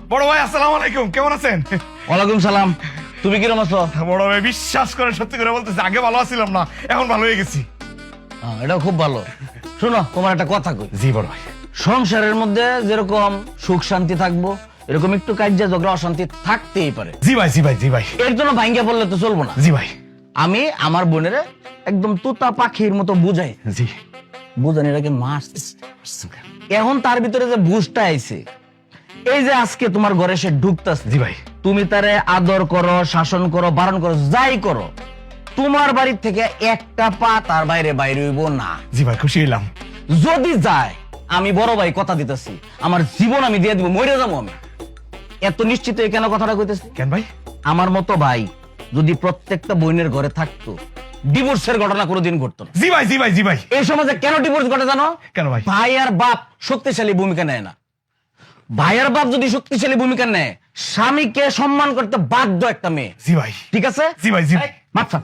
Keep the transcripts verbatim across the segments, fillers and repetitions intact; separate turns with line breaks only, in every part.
বড় ভাই আসসালামু আলাইকুম, কেমন আছেন?
ওয়ালাইকুম সালাম। তুমি কিরকম আছো?
বড় ভাই বিশ্বাস করে সত্যি করে বলতেছি, আগে ভালো আছিলাম না, এখন ভালো হয়ে গেছি।
হ্যাঁ, এটা খুব ভালো। শোনো, তোমার একটা কথা কই।
জি বড় ভাই।
সংসারের মধ্যে যেরকম সুখ শান্তি থাকবো, এরকম একটু কার্য ঝগড়া অশান্তি থাকতেই পারে।
জি ভাই জি ভাই জি ভাই।
এর জন্য ভাঙ্গা বললে তো চলবো না।
জি ভাই।
আমি আমার বোনের একদম তুতা পাখির মতো বুঝাই।
জি।
বুঝানি এটাকে মাস। এখন তার ভিতরে যে বুঝটা আইছে, এই যে আজকে তোমার ঘরে সে ঢুকতাছে।
জি ভাই।
তুমি তারে আদর করো, শাসন করো, বারণ করো, যাই করো, তোমার বাড়ির থেকে একটা পা তার বাইরে বাইরে হইব না।
জি ভাই, খুশি হইলাম।
যদি যায়, আমি বড় ভাই কথা দিতেছি, আমার জীবন আমি দিয়ে দিব, মরে যাবো আমি। এত নিশ্চিত কেন কথাটা কইতেছি?
কেন ভাই?
আমার মতো ভাই যদি প্রত্যেকটা বোনের ঘরে থাকতো, ডিভোর্সের ঘটনা কোনোদিন ঘটতো না।
জি ভাই জি ভাই জি ভাই।
এই সমাজে কেন ডিভোর্স ঘটে জানো?
কেন ভাই?
ভাই আর বাপ শক্তিশালী ভূমিকা নেয় না। ভাই আর বাপ যদি শক্তিশালী ভূমিকা নেয়, স্বামীকে সম্মান করতে বাধ্য একটা মেয়ে।
জি ভাই।
ঠিক আছে?
জি ভাই জি ভাই।
মাথা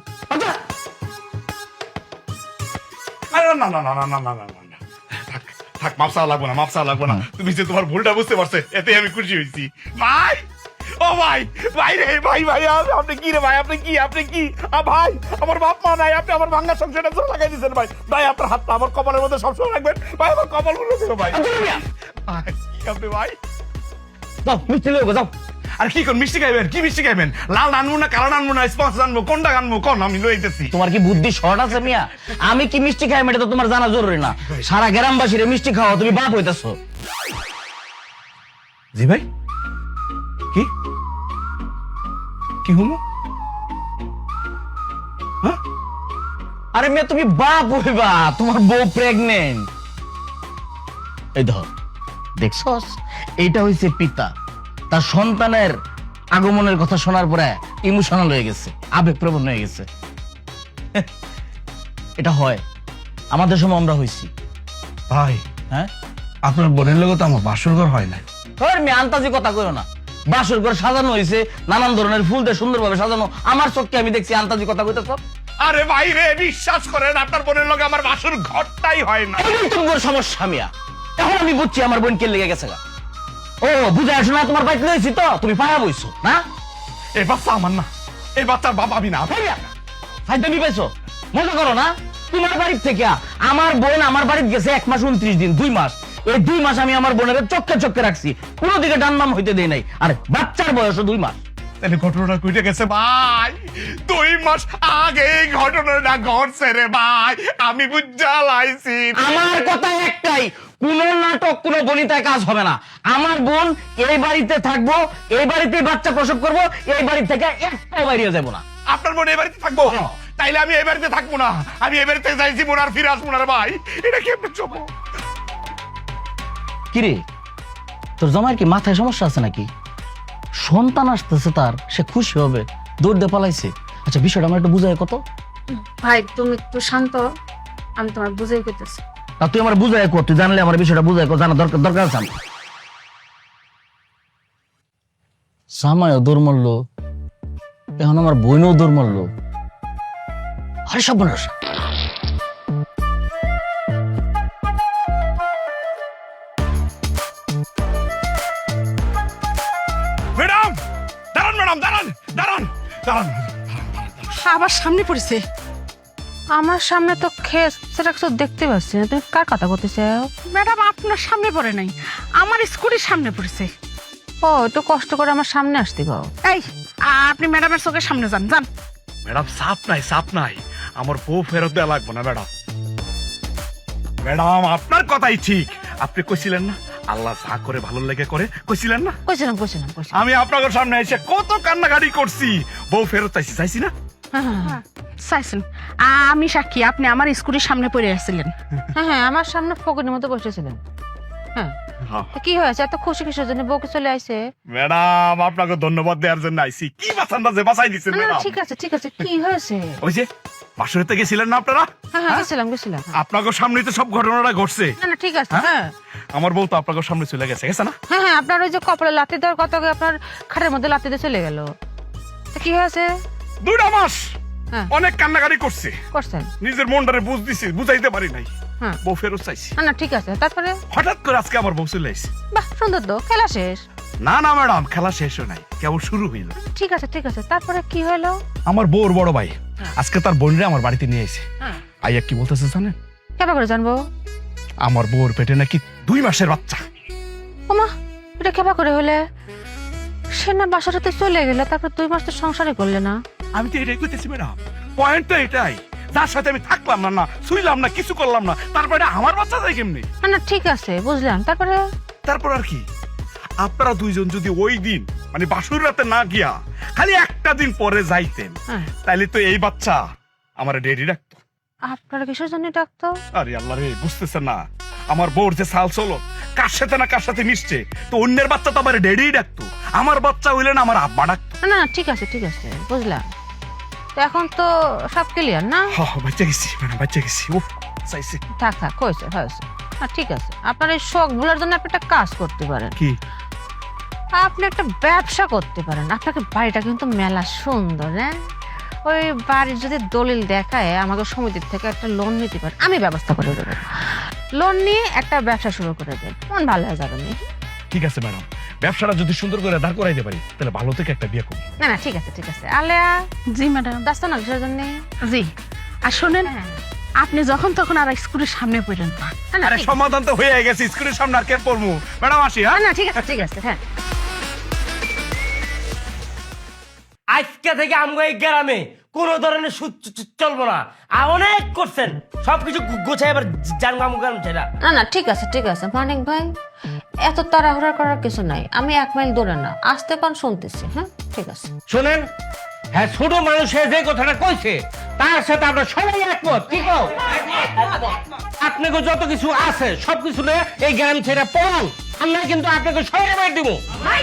আরে না না না না না না না না না। থাক থাক, মাপ চাওয়া লাগবো না, মাপ চাওয়া লাগবো না। তুমি যে তোমার ভুলটা বুঝতে পারছো, এতে আমি খুশি হয়েছি। ভাই, ও ভাই, ভাই রে, ভাই ভাই, আ- আপনি কি রে ভাই, আপনি কি, আপনি কি? আ ভাই, আমার বাপ মা নাই, আপনি আমার ভাঙ্গা সংসারটা জোর লাগাই দিয়েছেন ভাই। ভাই আপনার হাতটা আমার কপালের মধ্যে সবসময় রাখবেন ভাই, আমার কপাল গুলো ছিল ভাই। ভাই, কি আপনি ভাই?
যাও, মিষ্টি লইব, যাও।
আর কি কোন মিষ্টি খাইবেন? কি মিষ্টি খাইবেন? লাল আনবো না, কালো আনবো না, স্পঞ্জ আনবো, কোনটা আনবো কোন? আমি লইতেছি।
তোমার কি বুদ্ধি শর্ট আছে মিয়া? আমি কি মিষ্টি খাই এটা তো তোমার জানা জরুরি না। সারা গ্রামবাসীরে মিষ্টি খাওয়া, তুমি বাপ হইতাছো।
জি ভাই। কি কি হুমু? হ্যাঁ?
আরে মেয়ে, তুমি বাপ হইবা, তোমার বউ প্রেগনেন্ট। এই ধর, দেখছস, এইটা হইছে পিতা। তার সন্তানের আগমনের কথা শোনার পরে ইমোশনাল হয়ে গেছে, আবেগপ্রবণ হয়ে গেছে। এটা হয়, আমাদের সময় আমরা হইছি।
ভাই,
হ্যাঁ,
আপনার বোনের লোক তো আমার বাসর ঘর হয় না।
ধর মেয়ে, আন্তাজি কথা কইও না। বাসর ঘর সাজানো হয়েছে, নানান ধরনের ফুল দিয়ে সুন্দরভাবে সাজানো। আমার চোখকে আমি দেখছি, আন্তাজি কথা কইতেছ।
আরে ভাই রে, বিশ্বাস করেন, আপনার বোনের লোক আমার বাসর ঘরটাই হয় না।
এই তোমার সমস্যা মিয়া। এখন আমি বুঝছি আমার বোন কে লেগে গেছে গা। ও বুঝে আসো না, তোমার বাইক লইছি তো তুমি পায়া বইছো না।
এই বাচ্চা আমার না, এই বাচ্চার বাবা আমি না।
ফাইদামি পাইছো, মজা করো না। তোমার বাড়ির থেকে আমার বোন আমার বাড়িতে গেছে এক মাস উনত্রিশ দিন, দুই মাস। এই দুই মাস আমি আমার বোনের চোখে চোখে রাখছি, কোনো দিকে ডানবাম হইতে দেই নাই। আরে বাচ্চার বয়স দুই মাস।
তাহলে ঘটনাটা কইটে গেছে ভাই, দুই মাস আগে এই ঘটনাটা ঘটছে রে ভাই, আমি বুঝা লাইছি।
আমার কথা একটাই, কোন নাটক, কোন গণিতায় কাজ হবে না। আমার বোন এই বাড়িতে থাকবো, এই বাড়িতে বাচ্চা প্রসব করব, এই বাড়ি থেকে একটাও বাইরে যাব না।
আপনার বোন এই বাড়িতে থাকবো? তাইলে আমি এই বাড়িতে থাকবো না, আমি এই বাড়িতে যাইছি বোন, আর ফিরে আসবো না রে ভাই। এটা কি আপনি চোখ?
কিরে, তোর জামাইয়ের কি মাথায় সমস্যা আছে নাকি? সন্তান আসতেছে তার, সে খুশি হবে, দৌড় দিয়ে পালাইছে। আচ্ছা, বিষয়টা আমার একটু বুঝায় কত।
ভাই তুমি একটু শান্ত, আমি তোমার বুঝাই করতেছি।
তা তুই আমার বুঝায় কত, তুই জানলে আমার বিষয়টা বুঝায় কত, জানা দরকার দরকার আছে আমার। জামাইও দৌড় মারলো, এখন আমার বোনও দৌড় মারলো। আরে সব মানুষ
ম্যাডাম দাঁড়ান, ম্যাডাম দাঁড়ান দাঁড়ান দাঁড়ান।
আবার সামনে পড়েছে। আমার সামনে তো খেস সেটা কিছু দেখতে পাচ্ছি না, তুমি কার কথা বলতেছো? ম্যাডাম আপনার সামনে পড়ে নাই, আমার স্কুটির সামনে পড়েছে। ও একটু কষ্ট করে আমার সামনে আসতে গাও। এই আপনি ম্যাডামের চোখের সামনে যান যান।
ম্যাডাম সাপ নাই, সাপ নাই, আমার বউ ফেরত দেওয়া লাগবে না ম্যাডাম। ম্যাডাম আপনার কথাই ঠিক, আপনি কইছিলেন না আল্লাহ যা করে ভালো লেগে করে, কইছিলেন না?
কইছিলাম কইছিলাম কইছিলাম।
আমি আপনার সামনে এসে কত কান্নাকাটি করছি, বউ ফেরত চাইছি, চাইছি না?
চাইছেন, আমি সাক্ষী, আপনি আমার স্কুটির সামনে পড়ে আসছিলেন। হ্যাঁ হ্যাঁ, আমার সামনে ফকিরের মতো বসেছিলেন। হ্যাঁ, তো কি হয়েছে? এত খুশি কিসের জন্য? বউকে চলে আইছে।
ম্যাডাম আপনাকে ধন্যবাদ দেওয়ার জন্য আইছি। কি বাঁচানটা যে বাঁচাই দিচ্ছেন
না, না,
ম্যাডাম।
ঠিক আছে ঠিক আছে, কি হয়েছে?
ওই যে বাসুরেতে গেছিলেন না আপনারা?
হ্যাঁ হ্যাঁ, গেছিলাম গেছিলাম।
আপনাকে সামনেই তো সব ঘটনাটা ঘটছে।
না না, ঠিক আছে। হ্যাঁ
আমার বউ তো আপনাকে সামনে চলে গেছে, গেছে না?
হ্যাঁ হ্যাঁ, আপনার ওই যে কপালে লাথি দেওয়ার কথা, আপনার খাটের মধ্যে লাথি দিয়ে চলে গেল। তো কি হয়েছে?
দুইটা মাস
হ্যাঁ।
অনেক কান্নাকাটি করছে,
করছেন?
নিজের মনটারে বুঝ দিছি, বুঝাইতে পারি নাই।
হ্যাঁ।
বউ ফেরত চাইছি।
না না, ঠিক আছে। তারপরে?
হঠাৎ করে আজকে আমার বউ চলে আইছে।
বাহ, সুন্দর তো, খেলা শেষ।
না না ম্যাডাম, খেলা শেষ হয় নাই, কেবল শুরু হইল।
ঠিক আছে ঠিক আছে, তারপরে কি হলো?
আমার বউর বড় ভাই আজকে তার বোনরে আমার বাড়িতে নিয়ে এসে
হ্যাঁ,
আইয়া কি বলতেছে জানেন?
কেমন করে জানবো?
আমার বউর পেটে নাকি দুই মাসের বাচ্চা।
ওমা, এটা কেবা করে হলে? সে না বাসাটাতে চলে গেলে, তারপর দুই মাস তো সংসারে করলে না।
আমি তো এটাই কইতেছি ম্যাডাম, পয়েন্ট তো এটাই, যার সাথে আমি থাকলাম না, না শুইলাম না, কিছু করলাম না, তারপরে আমার বাচ্চা যায় কেমনি?
না না ঠিক আছে, বুঝলাম। তারপরে
তারপর আর কি, আপনারা দুইজন যদি ওই দিন মানে বাসুর রাতে না গিয়া খালি একটা দিন পরে যাইতেন,
হ্যাঁ,
তাইলে তো এই বাচ্চা আমার ডেডি রাখতো।
আপনারা কিসের জন্য ডাকতো?
আরে আল্লাহ রে, বুঝতেছেন না আমার বউর যে সাল চলো কার সাথে না কার সাথে মিশছে, তো অন্যের বাচ্চা তো আমার ডেডি ডাকতো, আমার বাচ্চা হইলে না আমার আব্বা ডাকতো।
না না ঠিক আছে ঠিক আছে, বুঝলাম। তো এখন তো সব ক্লিয়ার না?
হ বাচ্চা গেছি ম্যাডাম, বাচ্চা গেছি। উফ চাইছে
থাক থাক, হয়েছে হয়েছে। হ্যাঁ ঠিক আছে, আপনার এই শখ ভুলার জন্য আপনি একটা কাজ করতে পারেন।
কি?
আপনি একটা ব্যবসা করতে পারেন। আপনাকে বাড়িটা কিন্তু মেলা সুন্দর, হ্যাঁ? ওই বাড়ির যদি দলিল দেখায় আমাকে সমিতির থেকে একটা লোন নিতে পারেন, আমি ব্যবস্থা করে দেবো। লোন নিয়ে একটা ব্যবসা শুরু করে দেন, মন ভালো হয়ে যাবে।
ঠিক আছে ম্যাডাম, ব্যবসাটা যদি সুন্দর করে দাঁড় করাইতে পারি তাহলে ভালো থেকে একটা বিয়ে করবো।
না না ঠিক আছে ঠিক আছে। আলেয়া,
জি ম্যাডাম।
ব্যস্ত না কিসের জন্য?
জি, আর শোনেন,
হ্যাঁ,
আপনি যখন তখন আর স্কুলের সামনে পড়েন না।
না, না,
আরে
ঠিক-
সমাধান তো হয়ে গেছে, স্কুলের সামনে আর কে পড়বো? ম্যাডাম আসি।
না
হ্যাঁ
না ঠিক আছে ঠিক আছে। হ্যাঁ,
আজকে থেকে আমগো এই গ্রামে কোনো ধরনের সুদ চ- চ- চলবো না। আর অনেক করছেন, সবকিছু গু- গুছাই এবার জানবো আমগো গ্রাম ছেড়া।
না না ঠিক আছে ঠিক আছে। মানিক ভাই, এত তাড়াহুড়া করার কিছু নাই। আমি এক মাইল দূরে না, আসতে কোন শুনতেছি। হ্যাঁ ঠিক আছে।
শোনেন, হ্যাঁ ছোট মানুষে যে কথাটা কইছে তার সাথে আমরা সবাই একমত। কি কও? আপনাকে যত কিছু আছে সবকিছু নিয়ে এই গ্রাম ছেড়ে পড়ুন, আমরা কিন্তু আপনাকে সবাই বাইর দিব।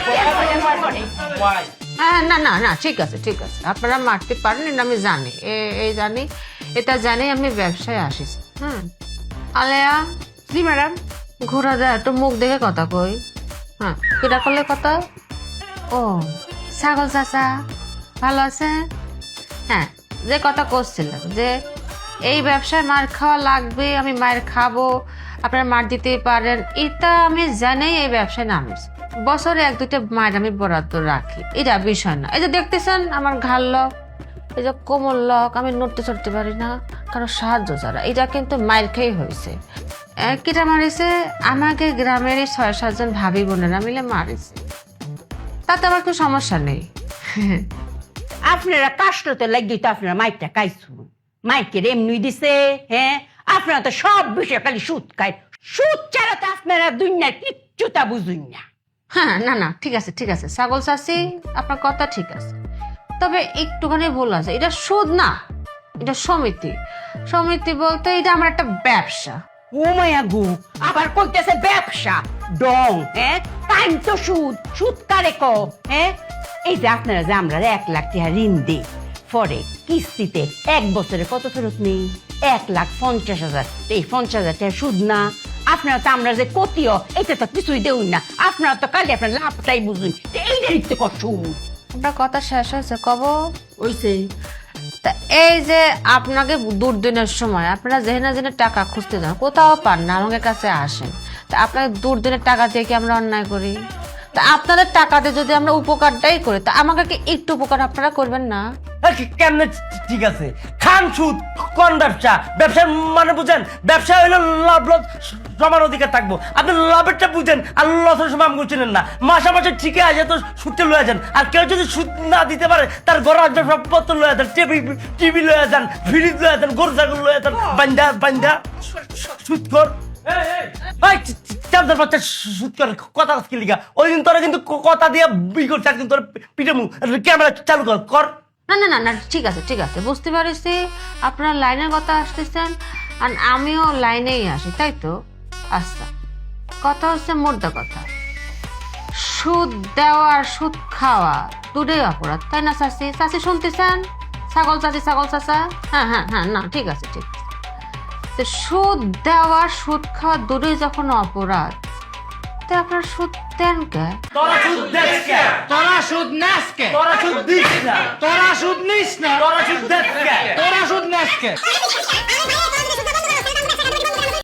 হ্যাঁ না না না ঠিক আছে ঠিক আছে, আপনারা মারতে পারেন এটা আমি জানি, এ- এই জানি, এটা জানি আমি ব্যবসায় আসিস। হ্যাঁ আলেয়া। জি ম্যাডাম। ঘোরা দেয় একটু মুখ দেখে কথা কই। হ্যাঁ, কিটা করলে কথা? ও ছাগল চাচা ভালো আছে? হ্যাঁ, যে কথা করছিলাম যে এই ব্যবসায় মার খাওয়া লাগবে, আমি মায়ের খাবো, আপনারা মার দিতেই পারেন, এটা আমি জানি। এই ব্যবসায় নামিস বছরে এক দুইটা মায়ের আমি বরাদ্দ রাখি, এটা বিষয় না। এই যে দেখতেছেন আমার ঘাড় লক, এই যে কোমর লক, আমি নড়তে চড়তে পারি না, কারো সাহায্য ছাড়া, এটা কিন্তু মায়ের খেয়ে হয়েছে। কিটা মারিছে? আমাকে গ্রামের ছয় সাতজন ভাবি বোনেরা মিলে মারিছে, তাতে আমার কোনো সমস্যা নেই।
আপনারা কাশলতে লাগিয়ে তো আপনারা মাইকটা খাইছুন, মাইকের এমনি দিছে। হ্যাঁ, আপনারা তো সব বিষয়ে খালি সুদ খায়, সুদ ছাড়া তো আপনারা দুনিয়ার কিচ্ছুটা বুঝুন না।
হ্যাঁ না না ঠিক আছে ঠিক আছে, ছাগল চাষি আপনার কথা ঠিক আছে, তবে একটুখানি ভুল আছে। এটা সুদ না, এটা সমিতি। সমিতি বলতে এটা আমার একটা ব্যবসা।
ও মায়া গু, আবার কইতেছে ব্যবসা ডং। হ্যাঁ, টাইম তো সুদ, সুদ কারে ক? হ্যাঁ, এই যে আপনারা যে আমরা এক লাখ টাকা ঋণ দিই, পরে কিস্তিতে এক বছরে কত ফেরত নেই? এক লাখ পঞ্চাশ হাজার। এই পঞ্চাশ হাজার টাকা সুদ না? আপনারা তো আমরা যে কতিও এটা তো কিছুই দেউন না, আপনারা তো কালি আপনার লাভটাই বুঝুন, এইটাই তো কষ্ট।
আপনার কথা শেষ হয়েছে কব?
ওইসে
তা এই যে আপনাকে দুর্দিনের সময় আপনারা যেখানে যেখানে টাকা খুঁজতে যান, কোথাও পান না, আমাদের কাছে আসেন। তা আপনাকে দুর্দিনের টাকা দিয়ে কি আমরা অন্যায় করি? তা আপনাদের টাকাতে যদি আমরা উপকারটাই করি, তা আমাকে কি একটু উপকার আপনারা করবেন না?
এ কি- কেমনে ঠিক আছে? খান সুদ, কোন ব্যবসা? ব্যবসার মানে বুঝেন, ব্যবসা হইলো লাভ লস সমান অধিকার থাকবো। আপনি লাভেরটা বুঝেন আর লসের সময় আমাকে চিনেন না। মাসে মাসে ঠিকই আছে তো সুদটা লয়ে যান, আর কেউ যদি সুদ না দিতে পারে তার ঘর আসবে সবপত্র লয়ে যান, টিভি টিভি লয়ে যান, ফ্রিজ লয়ে যান, গরু ছাগল লয়ে যান, বান্ধা বান্ধা সুদ কর। কথা কি লিগা? ওই দিন তোরা কিন্তু কথা দিয়ে বি করছে, একদিন তোর পিঠে মুখ ক্যামেরা চালু কর কর।
না না না না ঠিক আছে ঠিক আছে, বুঝতে পারছি আপনারা লাইনের কথা আসতেছেন, আর আমিও লাইনেই আসি, তাই তো? আচ্ছা, কথা হচ্ছে মোদ্দা কথা, সুদ দেওয়া আর সুদ খাওয়া দুটোই অপরাধ, তাই না চাচি? চাচি শুনতেছেন? ছাগল চাচি, ছাগল চাচা। হ্যাঁ হ্যাঁ হ্যাঁ, না ঠিক আছে ঠিক আছে। তো সুদ দেওয়া সুদ খাওয়া দুটোই যখন অপরাধ, তো আপনার সুদ দেন কে?
তোরা সুদ দেস কে?
তোরা সুদ নাস কে?
তোরা সুদ দিস না?
তোরা সুদ নিস না?
তোরা সুদ দেস কে?
তোরা সুদ নাস কে?